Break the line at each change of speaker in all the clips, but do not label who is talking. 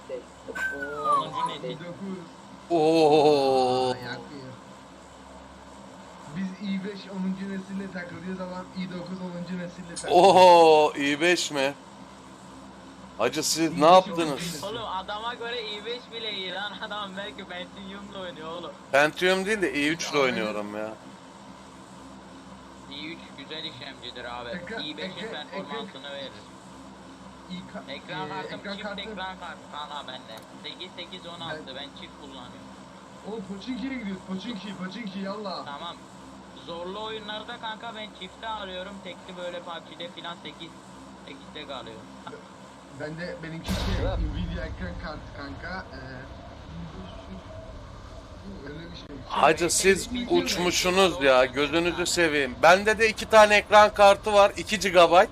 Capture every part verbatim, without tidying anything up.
onuncu nesil.
i dokuz.
Oo.
Aa, yakıyor. Biz i beş onuncu nesille takılıyoruz ama i dokuz onuncu nesille takılıyor.
Oo, i beş mi? Hacı siz ne
i beş onuncu
yaptınız?
nesil.
Oğlum adama göre i beş bile iyi lan, adam belki Pentium'la oynuyor oğlum.
Pentium değil de i üç ile
Ya,
oynuyorum ya.
i üç güzel işlemcidir abi.
Ekran-
i beşin
ekran-
performansını verir.
İ ka-
Ekran
e,
kartım
ekran
çift
kartı.
ekran kartı kanka bende. sekiz sekiz on altı ben çift kullanıyorum.
Oğlum Pochinki'ye gidiyoruz. Pochinki, Pochinki yallah.
Tamam. Zorlu oyunlarda kanka ben çifte alıyorum. Tekli böyle P U B G'de filan sekiz sekizde kalıyor.
Ben de benimki şey Nvidia ekran kartı kanka. Ee, öyle bir şey.
Hacı siz uçmuşsunuz ya, gözünüzü seveyim. Bende de iki tane ekran kartı var, iki gigabayt.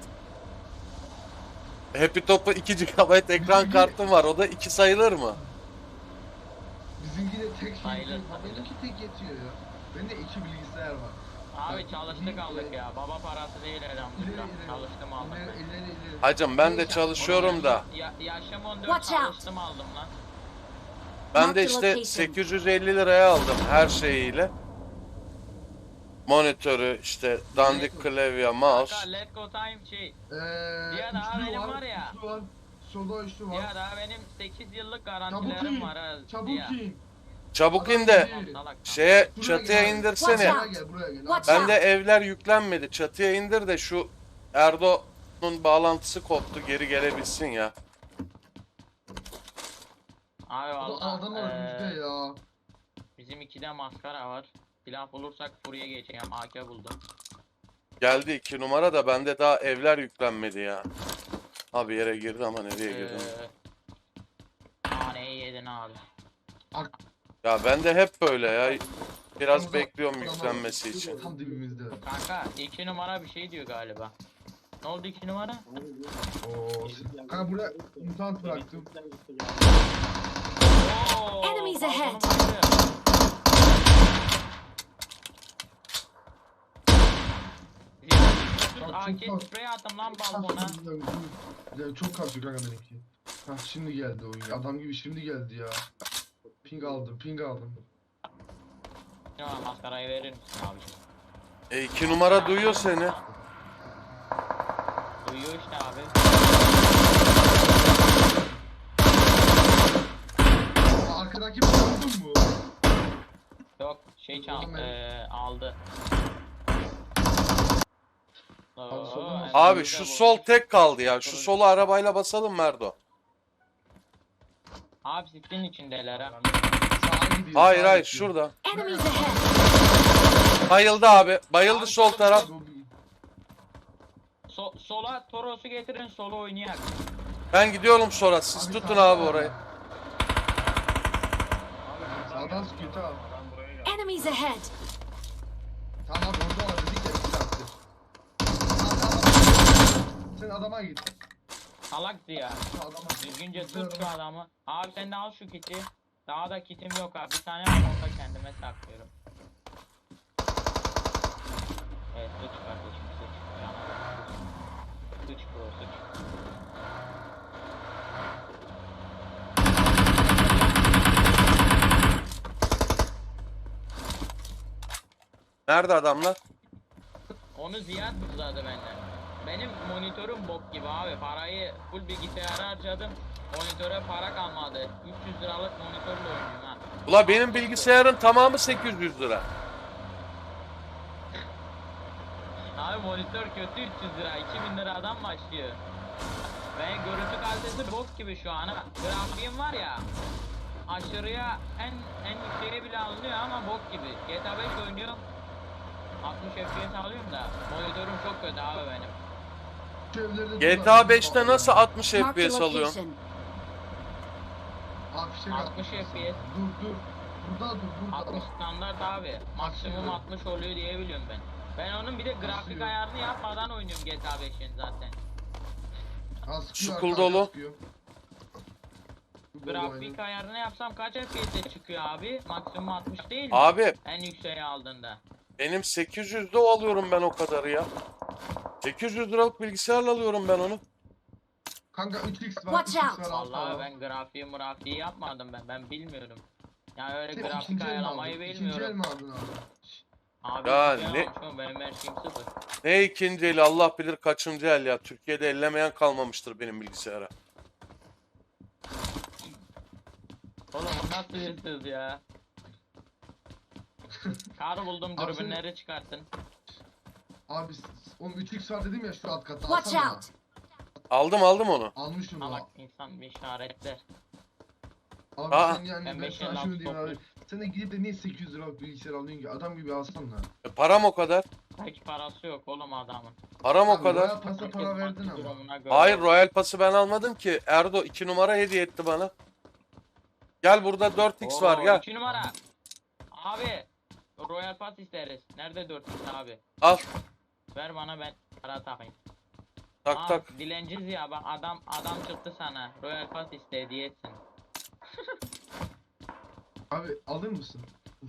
Happy Top'u iki gigabayt ekran kartım var, o da iki sayılır mı?
Bizimki de tek şey.
Sayılır,
Ha,
sayılır.
benimki tek yetiyor ya. Bende iki bilgisayar var.
Abi çalıştık aldık ya. Baba parası değil
İleri
elhamdülillah.
ileri.
Çalıştım aldım
İleri
ben.
ileri ileri.
Hacım ben de
Neyse,
çalışıyorum da.
Ya, yaşım on dört
Watch out.
çalıştım aldım lan.
Ben de işte sekiz yüz elli liraya aldım her şeyiyle. Monitörü, işte dandik klavye, mouse.
Kanka let's go time şey.
Eee
Diğer daha
üçlü
benim
var,
var ya.
üçlü var. Solda üçlü var.
Ya daha benim sekiz yıllık
Çabuk
garantilerim
in.
var ha.
Çabuk
Ziya.
in.
Çabuk
Adam
in de
gidiyor.
Salak.
şeye
Buraya
çatıya
gel.
indirsene.
Buraya gel, buraya gel.
Watch
Ben de evler yüklenmedi. Çatıya indir de şu Erdo'nun bağlantısı koptu, geri gelebilsin ya.
Abi
Adam,
valla
adam önümüzde ya.
bizim ikide maskara var. Silah bulursak buraya geçeceğim. A K buldum.
Geldi iki numara da bende daha evler yüklenmedi ya. Abi yere girdi ama nereye girdi?
Eee Naneyi yedin abi.
Ak-
Ya ben de hep böyle ya. Biraz
Adam-
bekliyorum
adam-
yüklenmesi için.
Tam dibimizde.
Kanka iki numara bir şey diyor galiba. Ne oldu iki numara?
Oo. Kanka buraya mutant bıraktım.
Oo,
Enemies
balkonu
ahead.
baktı.
Bak,
A K
çok-
sprey attım lan balkona.
Ya çok kasıyor kanka benimki. Hah şimdi geldi oyun. Adam gibi şimdi geldi ya. Ping aldım, ping aldım.
Ya maskarayı verir misin abi?
E iki numara duyuyor seni.
Duyuyor işte abi.
Aa, arkadaki bir vurdun mu?
Yok şey çal
Oğlum ben-
eee aldı. Oo,
solda mı?
Abi
Emre'yi de
şu
vurmuş.
sol tek kaldı ya. Şu solu arabayla basalım Merdo.
Abi sitin içindeler ha.
Sağa gidiyor.
Hayır
sağa
hayır
gidiyor.
şurada.
Enemies ahead!
Bayıldı abi. Bayıldı
Abi,
sol
sol
taraf.
So sola Toros'u getirin solo oynayak.
Ben gidiyorum sonra. Siz
Abi
tutun
sağda
abi
var.
orayı.
Sağdan sıkıyor tamam.
Enemies ahead!
Tamam orada var dedik ya bir attı. Tamam, sen adama git.
Salaktı ya.
Şu adama git.
Düzgünce
Sen
tut şu
adama-
adamı. Abi sen de al şu kiti. Daha da kitim yok abi. Bir tane var onu da kendime saklıyorum. Evet sıç kardeşim sıç. Canavar. Sıç bro sıç.
Nerede adamlar?
Onu Ziyad buzladı benden. Benim monitörüm bok gibi abi. Parayı full bilgisayara harcadım. Monitöre para kalmadı. üç yüz liralık monitörle oynuyorum ha.
Ula benim bilgisayarın tamamı sekiz yüz lira.
Abi monitör kötü üç yüz lira. iki bin liradan başlıyor. Ve görüntü kalitesi bok gibi şu an. ha. Grafiğim var ya. Aşırıya en en yükseğe bile alınıyor ama bok gibi. G T A beş oynuyorum. altmış F P S alıyorum da monitörüm çok kötü abi benim.
Şu evlerde
G T
dur,
A beşte nasıl altmış
Marked a
F P S alıyorsun?
location.
Abi fişek
altmış
atmış.
F P S.
Dur dur. Burada dur burada.
altmış standart abi. Maksimum altmış oluyor diye biliyorum ben. Ben onun bir de grafik
Basıyor.
ayarını yapmadan oynuyorum G T A beşin zaten.
Ha, sıkıyor,
Şu kul
arkadan
dolu.
sıkıyor. Kul dolu
Grafik
aynen.
ayarını yapsam kaç F P S çıkıyor abi? Maksimum altmış değil mi?
Abi
En yükseğe aldığında.
benim sekiz yüzde alıyorum ben o kadarı ya. sekiz yüz liralık bilgisayarla alıyorum ben onu.
Kanka üç x var,
Watch
üç x
out.
var. altta
Vallahi
var.
ben grafiği murafiği yapmadım ben. Ben bilmiyorum. Yani öyle
Sen
grafik
ikinci el mi
ayarlamayı
aldın? İkinci el
bilmiyorum.
mi aldın abi?
Abi
Ya
ikinci el
ne-
almışım, benim her şeyim sıfır.
Ne ikinci eli Allah bilir kaçıncı el ya. Türkiye'de ellemeyen kalmamıştır benim bilgisayara.
Oğlum bu nasıl hırsız ya? Kar buldum,
Abi sen-
dürbünleri çıkartın.
Abi oğlum üç x var dedim ya şu alt katta
Watch
alsana.
out.
Aldım aldım onu.
Almış onu.
Salak insan bir işaretler.
Abi
Aa.
sen yani
Ben
ben,
beş
sana
elli
şunu
altı
diyeyim abi.
topluyorum.
Sen de gidip de niye sekiz yüz liralık bilgisayar alıyorsun ki? Adam gibi alsana.
E, param o kadar.
Hiç parası yok oğlum adamın.
Param o
Abi,
kadar.
Royal Pass'a para
Herkes
verdin
maddi
ama.
durumuna göre.
Hayır Royal Pass'ı ben almadım ki. Erdo iki numara hediye etti bana. Gel burada dört x var
Oo,
gel.
iki numara. Abi Royal Pass isteriz. Nerede dört x abi?
Al
Ver bana, ben para takayım.
tak
Aa,
tak.
dilenciz ya, bak adam adam çıktı sana. Royal Pass iste, hediye etsin.
Abi alır mısın?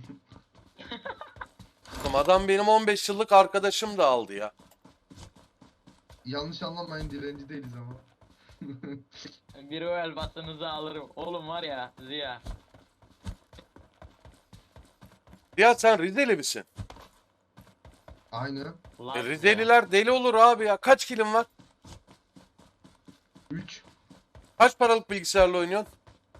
Adam benim on beş yıllık arkadaşım da aldı ya.
Yanlış anlamayın direnci değiliz ama.
Bir Royal Pass'ınızı alırım. Oğlum var ya Ziya.
Ya sen Rizeli misin?
Aynı.
Ulan
E,
Ziya.
Rizeliler deli olur abi ya. Kaç kilin var?
üç.
Kaç paralık bilgisayarla oynuyorsun?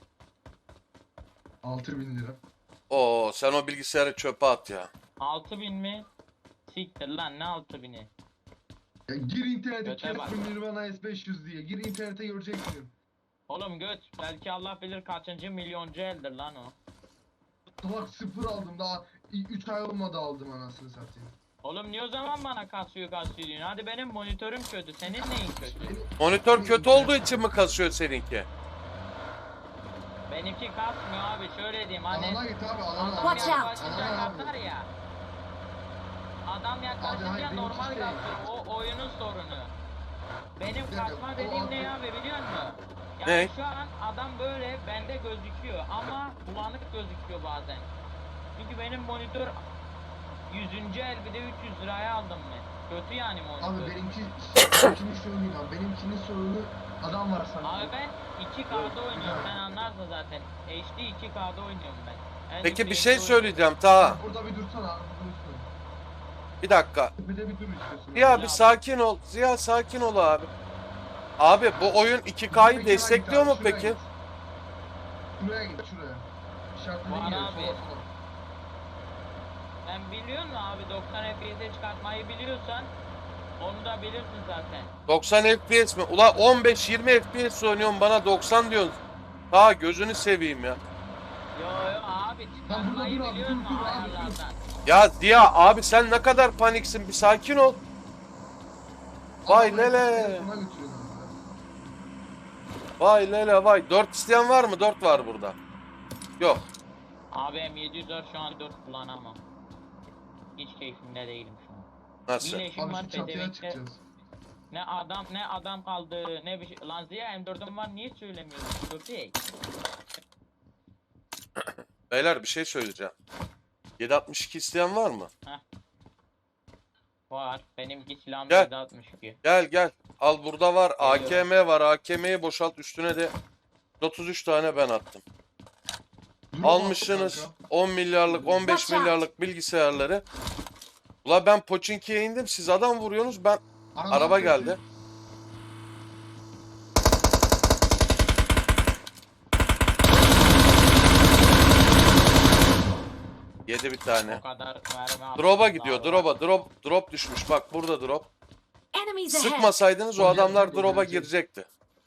altı bin lira.
Oo sen o bilgisayarı çöpe at ya.
altı bin mi? Siktir lan, ne altı bini?
Ya gir internete
Göte bak.
Casper Nirvana S beş yüz diye. Gir internete göreceksin.
Oğlum göt, belki Allah bilir kaçıncı milyoncu eldir lan o.
Salak sıfır aldım daha üç ay olmadı aldım anasını satayım.
Oğlum niye o zaman bana kasıyor kasıyor diyorsun? Hadi benim monitörüm kötü, senin neyin kötü?
Monitör kötü olduğu için mi kasıyor seninki?
Benimki kasmıyor abi, şöyle diyeyim hani.
Alana git abi alana.
Adam
Watch out.
yaklaşınca
Alana abi.
kasar ya. Adam
Abi
yaklaşınca
hayır,
normal
benimki şey-
kasıyor, o oyunun sorunu. Benim
dakika,
kasma
o
dediğim ne
abi-
ya be, biliyor musun? Yani
Ne?
şu an adam böyle bende gözüküyor ama bulanık gözüküyor bazen. Çünkü benim monitör yüzüncü el, bir de üç yüz liraya aldım ben. Kötü yani monitör.
Abi benimki benimkini söyleyeyim abi. Benimkinin sorunu adam var sanki.
Abi ben iki K'da oynuyorum, sen anlarsın zaten. H D iki K'da oynuyorum ben. En
Peki bir
yükseğinde
şey
oynuyorum.
söyleyeceğim ta.
Burada bir dursana abi. Dursun.
Bir dakika.
Bir de bir dur istiyorsun.
Ziya
abi.
bir sakin ol. Ziya sakin ol abi. Abi bu oyun iki K'yı destekliyor mu peki?
Şuraya git şuraya. İşaretli
Var
değil ya,
abi.
sola sola.
Sen biliyor musun abi, doksan F P S'e çıkartmayı biliyorsan onu da bilirsin zaten.
doksan F P S mi? Ula on beş yirmi F P S oynuyorum bana doksan diyorsun. Ha gözünü seveyim ya.
Yo yo abi, çıkartmayı
dur abi,
biliyor
dur,
musun
dur abi,
ayarlardan?
Ya Ziya abi sen ne kadar paniksin bir sakin ol. Vay
Adamı
lele.
telefonuna götürüyorlar abi.
Vay lele vay. dört isteyen var mı? dört var burada. Yok.
Abi M yedi yüz var şu an, dört kullanamam. Hiç keyfimde değilim şu an.
Nasıl?
Bir leşim
Abi
var
şu çatıya
pedevekte.
çıkacağız.
Ne adam ne adam kaldı ne bir şey. Lan Ziya M dördüm var, niye söylemiyorsun köpek?
Beyler bir şey söyleyeceğim. yedi altmış iki isteyen var mı?
Var. Benimki silahım
Gel.
yedi altmış iki.
Gel gel. Al burada var.
Geliyorum.
A K M var. A K M'yi boşalt üstüne de otuz üç tane ben attım.
Dur,
Almışsınız
kanka.
on milyarlık on beş
Watch out.
milyarlık bilgisayarları. Ula ben Pochinki'ye indim siz adam vuruyorsunuz ben
Araba
araba
sesi.
geldi. Yedi bir tane.
O kadar mermi attım.
Drop'a gidiyor.
Daha var.
Drop'a drop drop düşmüş. Bak burada drop.
Enemies ahead.
Sıkmasaydınız o
O
adamlar
gelecek, o
drop'a
gelecek.
girecekti.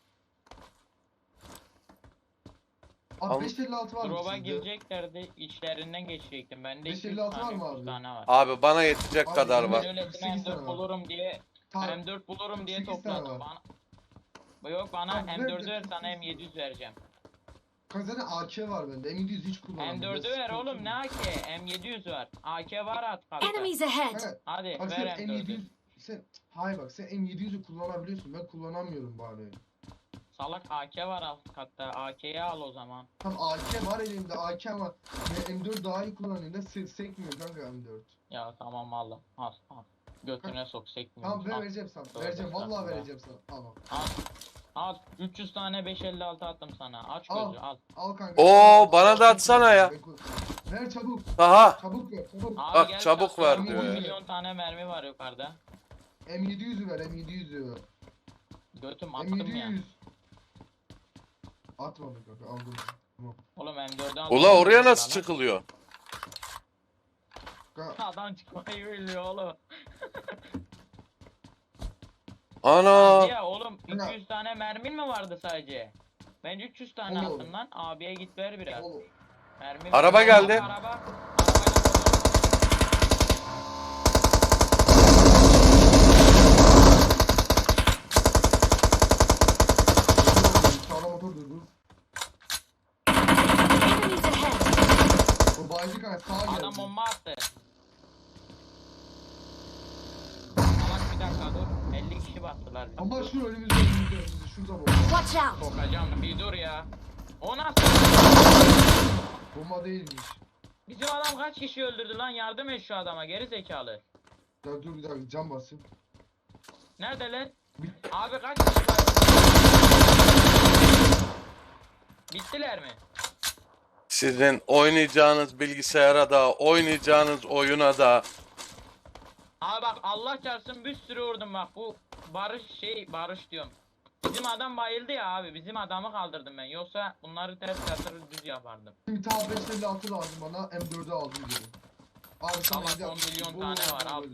Al-
Abi beş elli altı var mı
Drop'a
sizde?
gireceklerdi, içlerinden geçecektim. Bende
beş
iki yüz
elli altı var
tane,
mı
üç yüz
abi?
tane var.
Abi bana yetecek
Abi
kadar
bizim
var.
Öylesine
sekiz
M
tane
dört
var.
bulurum diye
Tamam.
M dört bulurum diye
sekiz tane
topladım.
var.
Bana... Yok bana
Tamam,
M dördü
ver
ver,
de-
sana M yedi yüz vereceğim.
Kanka A K var bende. M yedi yüz hiç kullanmadım.
M dördü
Biraz
ver
sıkıntı
oğlum, ne
var.
A K? M yedi yüz var. A K var at kartta.
Enemies ahead.
Evet.
Hadi
Bak sen
ver
M
M
yedi
dördü.
yüz sen hayır bak sen M yedi yüzü kullanabiliyorsun. Ben kullanamıyorum bari.
Salak A K var alt katta. A K'yi al o zaman.
Tam A K var elimde A K ama ya M dört daha iyi kullanıyorum. Da se sekmiyor kanka M dört.
Ya tamam al. Al al. Götüne sok, sekmiyor.
Tamam ben
Al.
vereceğim sana.
Doğru,
Vereceğim vallahi
estağfurullah.
vereceğim sana. Tamam.
Al. Al üç yüz tane beş elli altı attım sana. Aç
Al.
gözü al.
Al kanka.
Oo, bana da atsana ya.
Ver çabuk.
Aha.
Çabuk ver çabuk.
Abi
Bak,
gel
çabuk
çatıya,
ver diyor
on
ya.
milyon tane mermi var yukarıda.
M yedi yüz'ü ver M yedi yüz'ü ver.
Götüm
M
attım
yedi
ya.
yüz. Atmadım kanka aldım. Tamam.
Oğlum M dört'ü aldım.
Ula oraya nasıl çıkılıyor?
Kanka,
Adam çıkmayı biliyor oğlum.
Ana.
Ya oğlum iki yüz tane mermin mi vardı sadece? Ben üç yüz tane
Oğlum.
attım lan. Abiye git ver biraz.
oğlum.
Mermi
Araba
ver.
geldi.
Araba. Arabayla
Sağda motor durdu.
Enemies ahead!
O baycı kanka sağa geldi.
adam bomba attı. Salak bir dakika dur. elli kişi bastılar. bizi.
Ama şu önümüzde önümüzde önümüzde şurada bomba.
Watch out!
Sokacağım bir dur ya. O nasıl?
Bomba değilmiş.
Bizim adam kaç kişi öldürdü lan? Yardım et şu adama geri zekalı.
Ya dur bir dakika cam basayım.
Neredeler?
Bir-
Abi kaç kişi var? Bittiler mi?
Sizin oynayacağınız bilgisayara da, oynayacağınız oyuna da.
Abi bak Allah çarpsın bir sürü vurdum bak bu Barış şey Barış diyorum. Bizim adam bayıldı ya abi bizim adamı kaldırdım ben yoksa bunları ters yatırır düz yapardım.
Bir tane beş elli altı lazım bana M dört'ü aldım dedim. Abi sen
Tamam,
evde
on
yapmışsın.
milyon
Bu
tane var,
oldu
al.
böyle.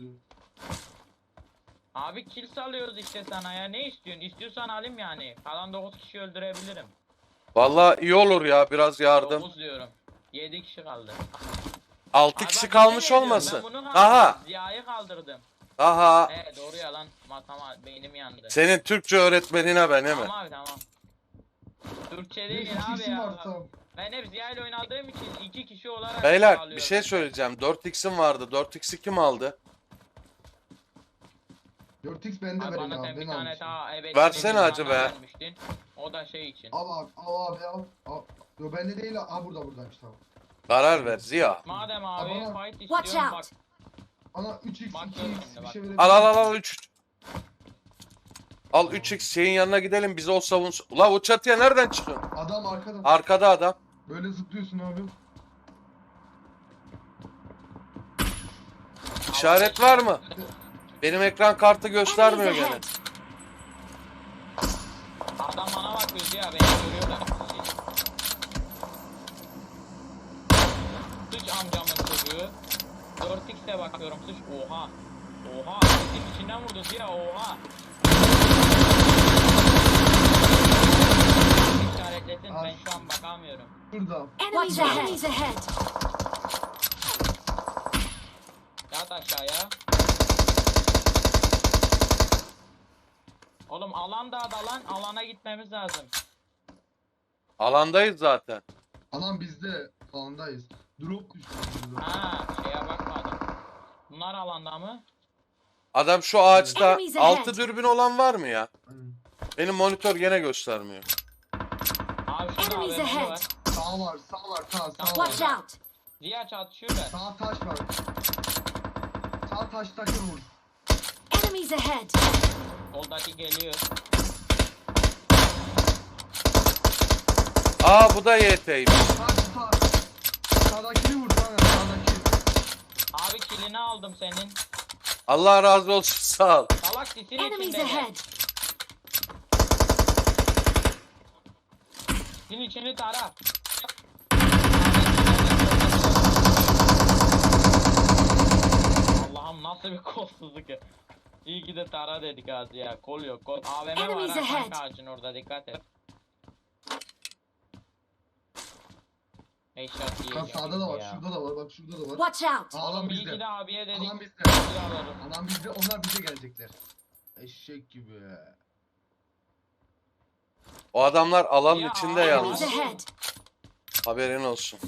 Abi kill salıyoruz işte sana ya ne istiyorsun? İstiyorsan alayım yani. Kalan dokuz kişi öldürebilirim.
Vallahi iyi olur ya, biraz yardım.
dokuz diyorum. yedi kişi kaldı.
altı
Abi
kişi
bak,
kalmış
yemin ediyorum,
olmasın.
Ben bunu kaldırdım.
Aha.
Ziya'yı kaldırdım.
Aha.
He doğru ya lan. Matama beynim yandı.
Senin Türkçe öğretmenine ben, değil mi?
Tamam abi tamam. Türkçe
Bir
değil
iki
abi
isim var
ya.
tamam.
Ben hep Ziya ile oynadığım için iki kişi olarak
Beyler bir
alıyorum.
şey söyleyeceğim. dört x'im vardı. dört x'i kim aldı?
dört x bende
Abi
verin
bana
abi
sen bir
ben
tane
almışım.
daha evet.
Versene
bir
hacı
tane
be.
vermiştin. O da şey için.
Al abi al abi al. al. Yo bende değil ha burada buradaymış tamam.
Karar ver Ziya.
Madem abi
Ama-
fight
Watch
istiyorum bak.
out!
Bana üç x
Bak
iki
gördün
x
mü,
bir
bak.
şey verebilir
Al al al
misin?
al üç. Al üç x şeyin yanına gidelim, bize o savunsun. Ula o çatıya nereden çıkıyorsun?
Adam arkada.
Arkada adam.
Böyle zıplıyorsun abi.
İşaret var mı? Benim ekran kartı göstermiyor
Enemies
gene.
ahead!
Adam bana bakıyor ya beni görüyorlar. Sıç amcamın çocuğu. dört x'e bakıyorum sıç. Oha. Oha. Sesin içinden vurdu ya oha. İşaretlesin ben şu an bakamıyorum.
Şurada.
Enemies ahead! Enemies ahead!
Yat aşağıya. Oğlum alan da dalan alana gitmemiz lazım.
Alandayız zaten.
Alan bizde. Alandayız. Drop düştü.
Ha şeye bakmadım. Bunlar alanda mı?
Adam şu ağaçta.
Enemies ahead.
Altı dürbün olan var mı ya?
Aynen.
Benim monitör gene göstermiyor.
Abi şurada
Enemies
A V M
ahead!
var.
Sağ var sağ var sağ sağ
Watch
var.
out!
Ziya çatışıyor da.
Sağ taş var. Sağ taştaki vur.
Enemies ahead!
Soldaki geliyor.
Aa bu da Y T'ymiş.
Sağ sağ. Sağdakini vur kanka sağdaki.
Abi kilini aldım senin.
Allah razı olsun, sağ ol.
Salak sisin
Enemies
içinde.
ahead!
Sisin içini tara. Allah'ım nasıl bir kolsuzluk ya. İyi ki de tara dedik az ya. Kol yok kol. A V M var
Enemies
ha
ahead.
kanka ağacın orada dikkat et. Headshot
Kanka
yiyeceğim
sağda da var
ya.
şurada da var bak şurada da var.
Watch out!
Alan
Oğlum iyi ki
bizde.
de abiye dedik.
Alan bizde.
Silah alalım.
Alan bizde onlar bize gelecekler. Eşek gibi.
O adamlar alanın
Ya,
içinde
abi.
Enemies
yalnız.
ahead!
Haberin olsun.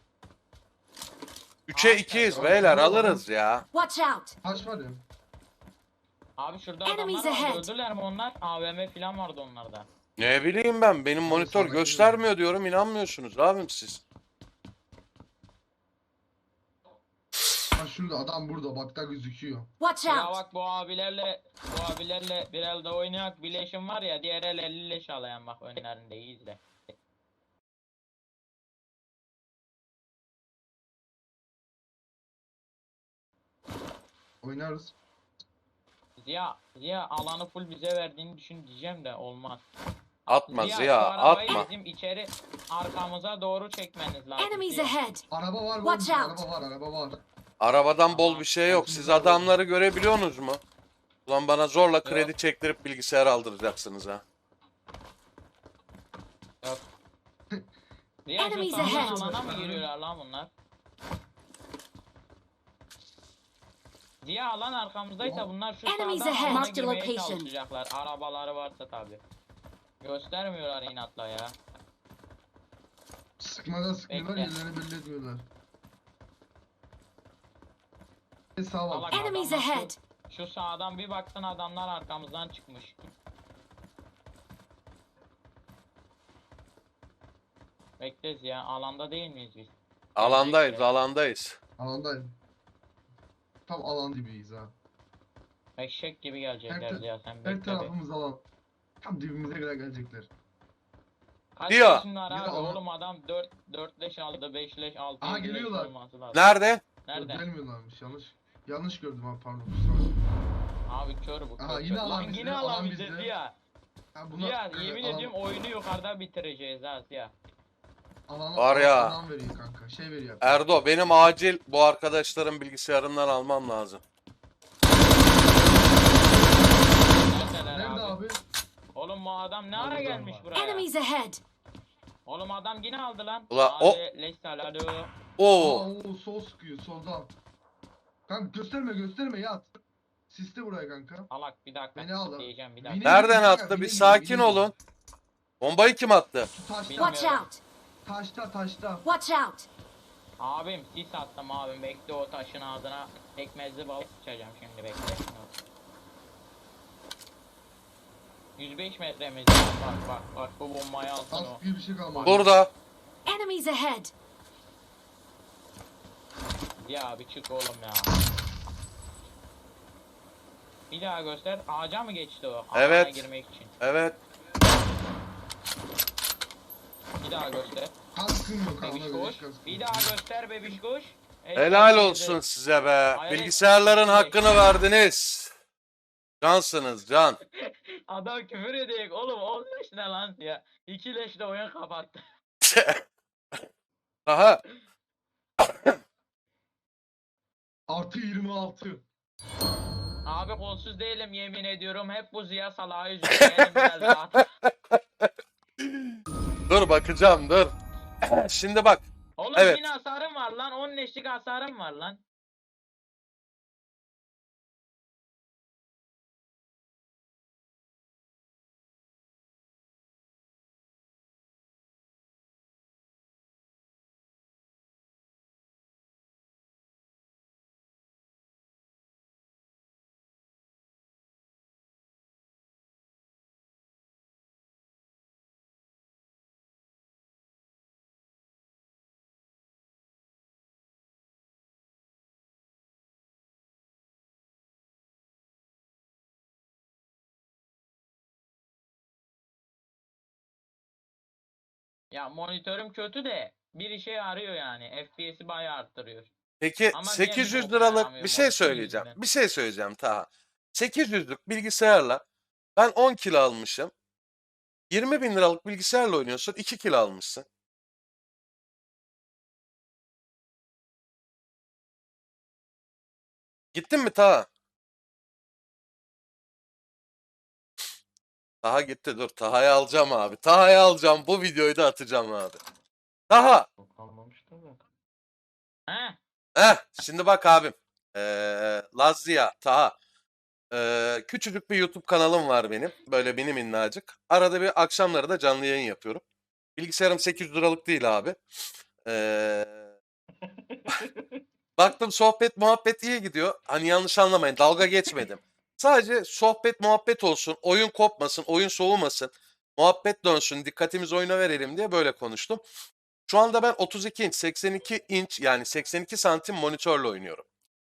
üçe
Abi,
ikiyiz
sen-
beyler, alırız ya.
Watch out!
Taş var ya.
Abi şurada
Enemies
adamlar vardı
ahead.
öldüler mi onlar? A V M falan vardı onlarda.
Ne bileyim ben, benim monitör
sana
göstermiyor diyorum, inanmıyorsunuz abim siz.
Ha şurada adam burada bak da gözüküyor.
Watch
Ya
out!
bak bu abilerle bu abilerle bir elde oynayak bileşim var ya diğer el elli leş alayan bak önlerinde iyi izle.
Oynarız.
Ziya, Ziya alanı full bize verdiğini düşün diyeceğim de olmaz.
Atma
Ziya,
Ziya,
şu arabayı
atma.
bizim içeri arkamıza doğru çekmeniz lazım.
Enemies
Ziya.
ahead!
Araba var
Watch
var.
out.
Araba var araba var.
Arabadan bol bir şey yok. Siz adamları görebiliyorsunuz mu? Ulan bana zorla kredi
Yok.
çektirip bilgisayar aldıracaksınız ha.
Yok. Ziya şu
Enemies
sağdan
ahead.
alana mı giriyorlar lan bunlar? Ziya alan arkamızdaysa bunlar şu
Enemies
sağdan
ahead.
alana
Mark the
girmeye
location.
çalışacaklar. Arabaları varsa tabi. Göstermiyorlar inatla ya.
Sıkmadan sıkmıyorlar
Bekle.
yerlerini belli etmiyorlar. E sağ var.
Salak
Enemies
adamlar şu-
ahead!
Şu sağdan bir baktın adamlar arkamızdan çıkmış. Bekleriz ya alanda değil miyiz biz?
Alandayız,
Bekle.
alandayız.
Alandayım. Tam alan gibiyiz ha.
Eşek gibi gelecekler
Her ta-
ya sen
Her
bekle. be.
tarafımız alan. Tam dibimize kadar gelecekler.
Kaç
Diyor.
leşin var
Biri
abi
alan-
oğlum adam dört dört leş aldı beş leş altı
Aha,
yedi leş
geliyorlar.
olması lazım.
Nerede?
Nerede?
Gelmiyorlarmış yanlış. Yanlış gördüm abi pardon. kusura bakma.
Abi kör bu kör.
Aha,
kör.
yine alan
Lan
bizde,
yine
alan
alan bize
bizde.
Ziya.
Ha, buna,
Ziya
e,
yemin
alan-
ediyorum oyunu yukarıda bitireceğiz ha Ziya.
Alan,
Var ya.
Alan veriyor kanka. Şey veriyor.
Erdo, benim acil bu arkadaşların bilgisayarından almam lazım.
Neredeler
Nerede
abi?
abi?
Oğlum bu adam ne ara
Burada
gelmiş
var.
buraya?
Enemies ahead!
Oğlum adam yine aldı lan.
Ula,
abi,
o-
leş salado.
Aa,
Oo,
o sol sıkıyor soldan. Kanka gösterme gösterme yat. Siste buraya kanka.
Salak bir dakika.
Beni al.
Diyeceğim bir dakika.
Beni-
nereden
Bine-
attı?
bine-
Bir
bine-
sakin
bine-
olun. Bombayı kim attı?
Şu taşta.
Bilmiyorum.
Watch out!
Taşta taşta.
Watch out!
Abim sis attım abim bekle o taşın ağzına pekmezli balık sıçacağım şimdi bekle. yüz beş metremiz var. Bak bak bak bu bombayı alsın o.
Az gibi bir şey kalmadı.
Burada.
Enemies ahead!
Ya bir çık oğlum ya. Bir daha göster. Ağaca mı geçti o? Alana
Evet.
girmek için.
Evet.
Bir daha göster.
Kaskın yok
Bebiş
kanka.
koş. Bir daha göster bebiş koş.
Helal olsun size be. Bilgisayarların hakkını verdiniz. Cansınız can.
Adam küfür edecek oğlum on leş ne lan ya. iki leşle oyun kapattı.
Aha.
Artı yirmi altı.
Abi kolsuz değilim yemin ediyorum. Hep bu Ziya Salah'ı yüzünden elim biraz rahat.
Dur bakacağım dur. Şimdi bak.
Oğlum
Evet.
yine hasarım var lan. on leşlik hasarım var lan. Ya monitörüm kötü de bir işe yarıyor yani. F P S'i bayağı arttırıyor.
Peki
Ama niye
sekiz yüz
bir boka
liralık
yaramıyor
bir şey
monitör
söyleyeceğim.
yüzünden?
Bir şey söyleyeceğim Taha. sekiz yüzlük bilgisayarla ben on kilo almışım. yirmi bin liralık bilgisayarla oynuyorsun iki kilo almışsın. Gittin mi Taha? Taha gitti dur. Taha'yı alacağım abi. Taha'yı alacağım. Bu videoyu da atacağım abi. Taha.
Kalmamıştı da. He?
Heh, şimdi bak abim. Ee, Lazia, Taha. Ee, küçücük bir YouTube kanalım var benim. Böyle mini minnacık. Arada bir akşamları da canlı yayın yapıyorum. Bilgisayarım sekiz yüz liralık değil abi. Ee, baktım sohbet muhabbet iyi gidiyor. Hani yanlış anlamayın dalga geçmedim. Sadece sohbet muhabbet olsun. Oyun kopmasın, oyun soğumasın. Muhabbet dönsün, dikkatimizi oyuna verelim diye böyle konuştum. Şu anda ben otuz iki inç, seksen iki inç yani seksen iki santim monitörle oynuyorum.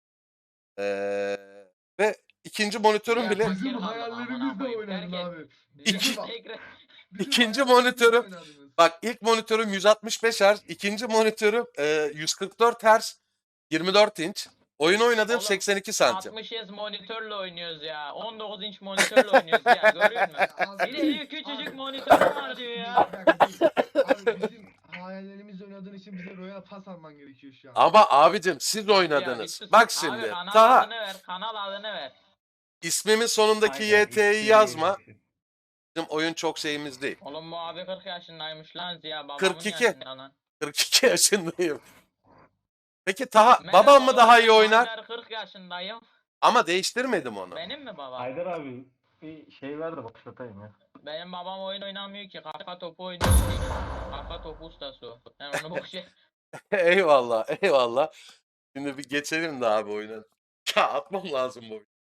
Ee, ve ikinci monitörüm
Ya
bile
fakir
Bizim
kaldım, amına
hayallerimizle
koyayım,
oynadın
terk et.
abi.
Bizim
Bizim,
tekrar-
bizim
İkinci
hayallerimizle
monitörüm-
oynadınız.
bak ilk monitörüm yüz altmış beş Hz, ikinci monitörüm e, yüz kırk dört Hz, yirmi dört inç. Oyun oynadığım
Oğlum,
seksen iki santim.
altmış Hz monitörle oynuyoruz ya. on dokuz inç monitörle oynuyoruz ya. Görüyor musun?
Abi-
Bir de diyor küçücük
abi-
monitör var diyor ya.
Bir dakika, dur. Abi bizim hayallerimizle oynadığın için bize Royal Pass alman gerekiyor şu an.
Ama abicim siz
Ya,
oynadınız.
bir sus.
Bak
Abi,
şimdi.
kanal
Taha
adını ver. Kanal adını ver.
ismimin sonundaki
Aynen,
Y T'yi
ismini
yazma.
vereceksin.
Bizim oyun çok şeyimiz değil.
Oğlum bu abi kırk yaşındaymış lan Ziya. Babamın
kırk iki.
yaşında lan.
kırk iki yaşındayım. Peki Taha
Benim
babam mı
babam
daha iyi
ben
oynar?
Haydar kırk yaşındayım.
Ama değiştirmedim onu.
Benim mi babam?
Haydar abi bir şey ver de başlatayım ya.
Benim babam oyun oynamıyor ki. Kafa topu oynuyor. Kafa topu ustası o. Ben onu boş ver.
Eyvallah, eyvallah. Şimdi bir geçelim de abi oyuna. Ya atmam lazım bu oyunu.